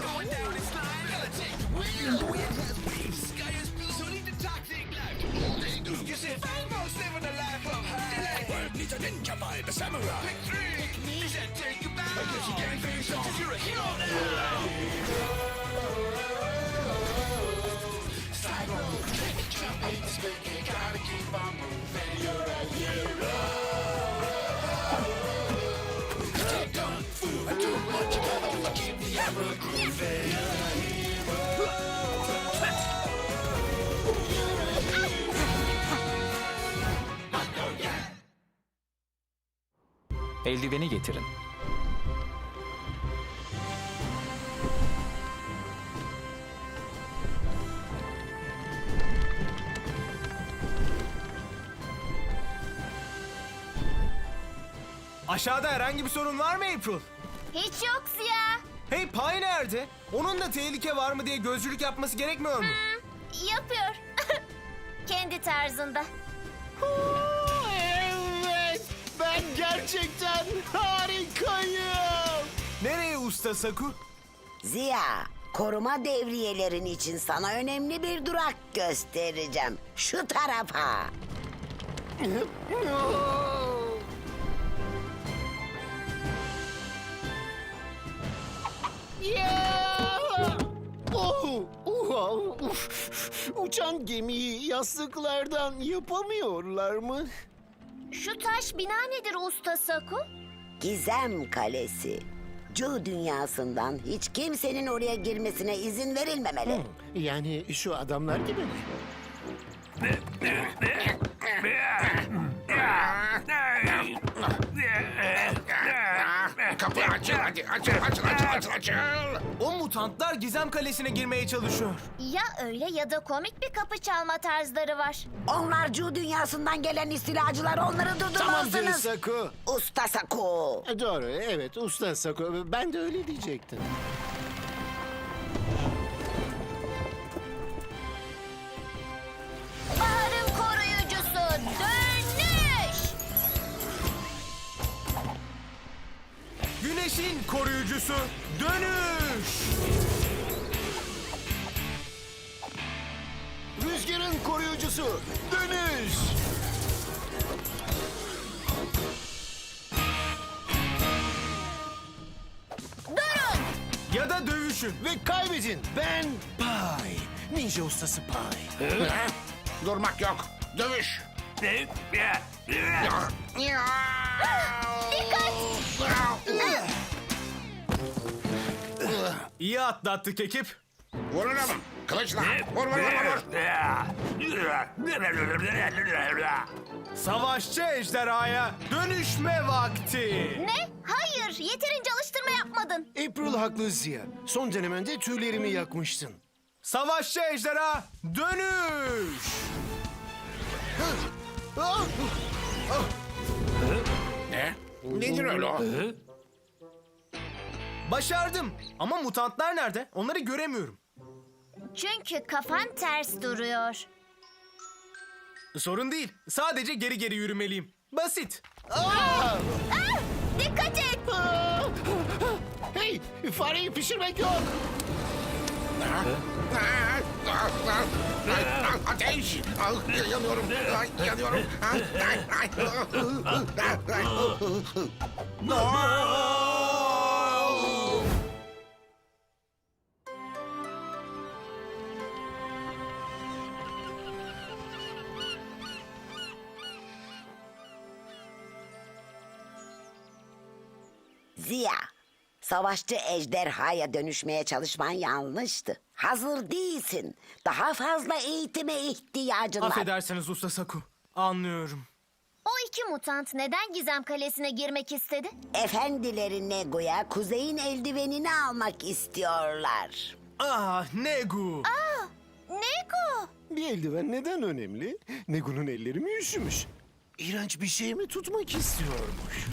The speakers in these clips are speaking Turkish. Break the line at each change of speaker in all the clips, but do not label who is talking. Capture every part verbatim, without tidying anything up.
Eldiveni getirin.
Aşağıda herhangi bir sorun var mı April?
Hiç yok Ziya.
Hey, Pay nerede? Onun da tehlike var mı diye gözcülük yapması gerekmiyor mu?
Hmm, yapıyor. Kendi tarzında.
Evet, ben gerçekten harikayım.
Nereye usta Saku?
Ziya, koruma devriyelerin için sana önemli bir durak göstereceğim. Şu tarafa.
Ya! Oh, oh, uf. Uçan gemiyi yastıklardan yapamıyorlar mı?
Şu taş bina nedir usta Saku?
Gizem Kalesi. Cu dünyasından hiç kimsenin oraya girmesine izin verilmemeli.
Yani şu adamlar gibi mi?
Kapı açıl hadi. Açıl açıl açıl açıl açıl.
O mutantlar Gizem Kalesi'ne girmeye çalışıyor.
Ya öyle ya da komik bir kapı çalma tarzları var.
Onlar Cu dünyasından gelen istilacılar, onları
Tamamdır
durdurmalısınız.
Saku.
Usta Saku.
E, Doğru, evet usta Saku. Ben de öyle diyecektim.
Baharın koruyucusu dönüş!
Güneşin koruyucusu dönüş!
Rüzgarın koruyucusu dönüş.
Durun!
Ya da dövüşün.
Ve kaybedin. Ben Pay. Ninja ustası Pay.
Durmak yok. Dövüş.
İyi atlattık ekip.
Vurun ama. Kılıçla. Vur vur vur vur.
Savaşçı ejderhaya dönüşme vakti.
Ne? Hayır, yeterince alıştırma yapmadın.
April haklı Ziya. Son denemende tüylerimi yakmıştın.
Savaşçı ejderha dönüş.
Ah!
Ne? Nedir öyle o?
Başardım. Ama mutantlar nerede? Onları göremiyorum.
Çünkü kafan ters duruyor.
Sorun değil. Sadece geri geri yürümeliyim. Basit.
Ah, dikkat et!
Ah! Hey, fareyi pişirmek yok.
Ateş! Yanıyorum. Yanıyorum.
Ziya, savaşçı ejderhaya dönüşmeye çalışman yanlıştı. Hazır değilsin. Daha fazla eğitime ihtiyacın var.
Affedersiniz Usta Saku. Anlıyorum.
O iki mutant neden Gizem Kalesi'ne girmek istedi?
Efendileri Negu'ya kuzeyin eldivenini almak istiyorlar.
Ah Negu.
Neko!
Bir eldiven neden önemli? Negu'nun elleri mi üşümüş? İğrenç bir şey mi tutmak istiyormuş?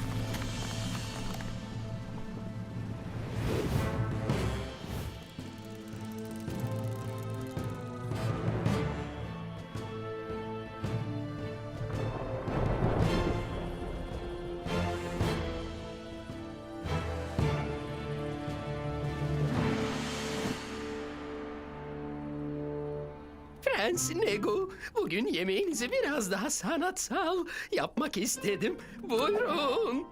Prens Negu. Bugün yemeğinizi biraz daha sanatsal yapmak istedim. Buyurun.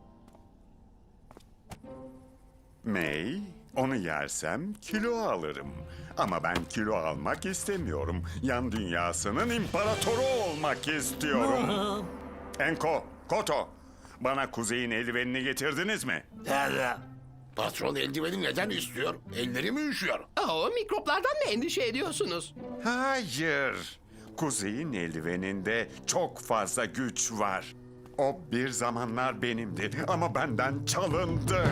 May, onu yersem kilo alırım. Ama ben kilo almak istemiyorum. Yan dünyasının imparatoru olmak istiyorum. Enko, Koto, bana kuzeyin eldivenini getirdiniz mi?
Patron eldiveni neden istiyor? Elleri mi üşüyor?
O mikroplardan mı endişe ediyorsunuz?
Hayır. Kuzeyin eldiveninde çok fazla güç var. O bir zamanlar benimdi ama benden çalındı.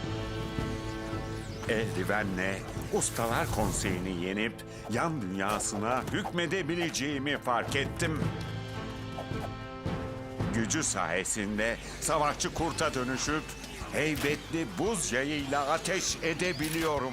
Eldivenle Ustalar Konseyi'ni yenip yan dünyasına hükmedebileceğimi fark ettim. Gücü sayesinde savaşçı kurta dönüşüp heybetli buz yayıyla ateş edebiliyorum.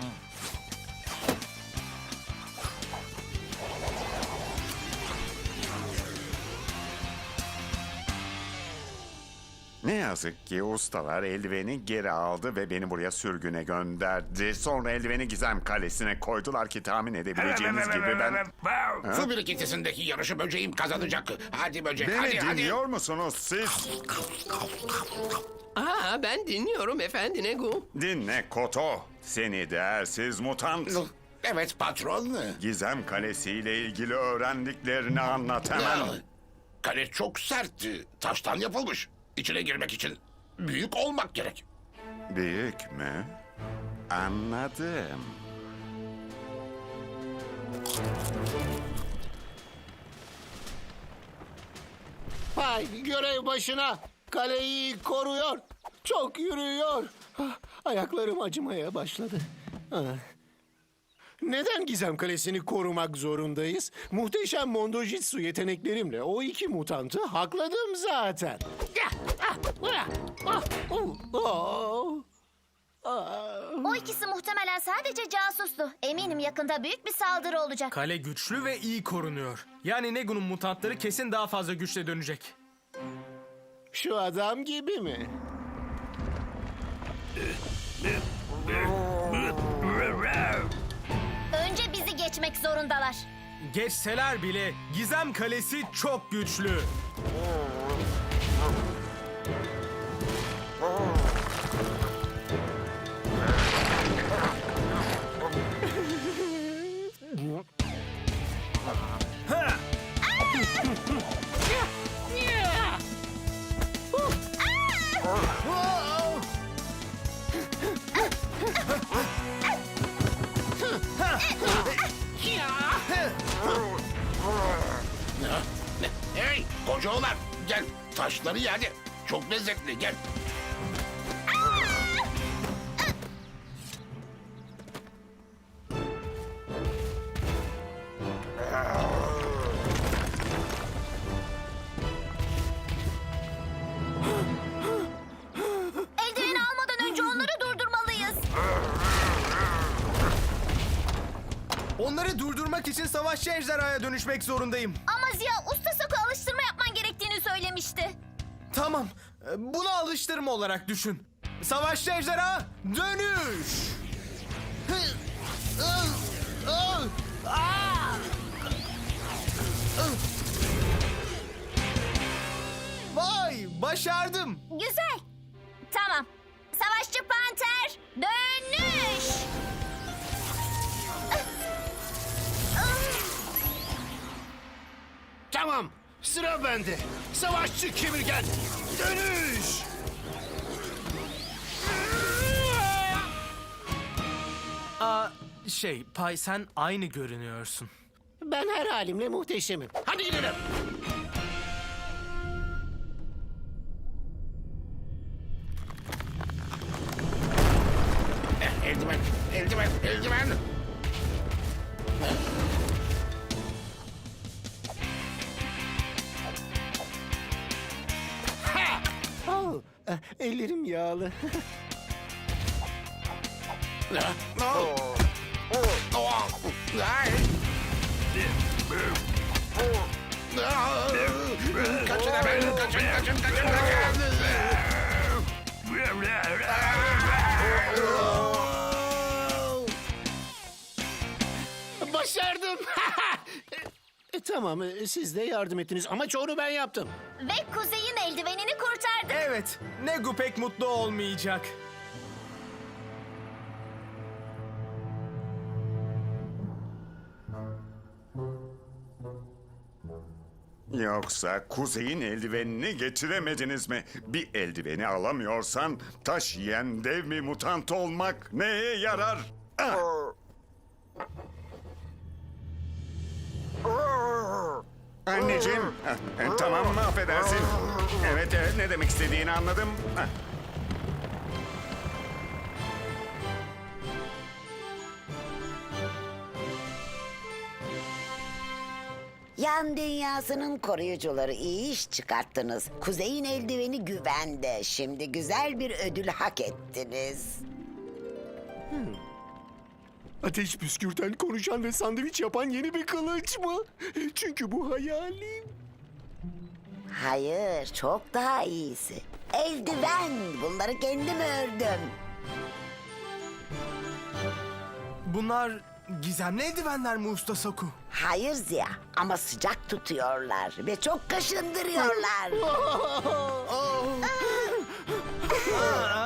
Ne yazık ki ustalar eldiveni geri aldı ve beni buraya sürgüne gönderdi. Sonra eldiveni Gizem Kalesi'ne koydular ki tahmin edebileceğiniz gibi ben...
Su birikintisindeki yarışı böceğim kazanacak. Hadi böcek,
Beni
hadi hadi.
dinliyor musunuz siz?
Aa, ben dinliyorum efendi Negu.
Dinle Koto. Seni değersiz mutant.
Evet patron.
Gizem Kalesi ile ilgili öğrendiklerini anlat hemen.
Kale çok sertti. Taştan yapılmış. İçine girmek için büyük olmak gerek.
Büyük mü? Anladım.
Hay görev başına. Kaleyi koruyor. Çok yürüyor. Ah, ayaklarım acımaya başladı. Ah. Neden Gizem Kalesi'ni korumak zorundayız? Muhteşem Mondojitsu yeteneklerimle o iki mutantı hakladım zaten.
O ikisi muhtemelen sadece casustu. Eminim yakında büyük bir saldırı olacak.
Kale güçlü ve iyi korunuyor. Yani Negu'nun mutantları kesin daha fazla güçle dönecek.
Şu adam gibi mi?
Önce bizi geçmek zorundalar.
Geçseler bile Gizem Kalesi çok güçlü.
Hey koca oğlan gel taşları ye hadi. Çok lezzetli gel.
Eldiveni almadan önce onları durdurmalıyız.
Onları durdurmak için savaşçı ejderhaya dönüşmek zorundayım.
Ama Ziya usta Sako alıştırma yapman gerektiğini söylemişti.
Tamam, bunu alıştırma olarak düşün. Savaşçı ejderha dönüş! Vay, başardım.
Güzel. Tamam. Savaşçı panter dönüş.
Tamam. Sıra bende. Savaşçı kemirgen. Dönüş.
Aa, şey, Pay sen aynı görünüyorsun.
Ben her halimle muhteşemim. Hadi gidelim.
Eh, eldiven, eldiven, eldiven.
Oh, eh, ellerim yağlı.
Ah, oh. Oh, ay. Ah, Kaçın hemen, kaçın, kaçın, kaçın, kaçın.
Başardım. Tamam, e, siz de yardım ettiniz ama çoğunu ben yaptım.
Ve Kuzey'in eldivenini kurtardık.
Evet, Negu pek mutlu olmayacak.
Yoksa Kuzey'in eldivenini getiremediniz mi? Bir eldiveni alamıyorsan taş yiyen dev mi mutant olmak neye yarar? Ah! Anneciğim, ah, e, tamam mı affedersin? Evet, evet, ne demek istediğini anladım. Ah.
Yan dünyasının koruyucuları iyi iş çıkarttınız. Kuzey'in eldiveni güvende. Şimdi güzel bir ödül hak ettiniz.
Ateş püskürten, konuşan ve sandviç yapan yeni bir kılıç mı? Çünkü bu hayalim.
Hayır, çok daha iyisi. Eldiven. Bunları kendim ördüm.
Bunlar gizemli eldivenler mi Usta Saku?
Hayır Ziya, ama sıcak tutuyorlar ve çok kaşındırıyorlar.
Aa,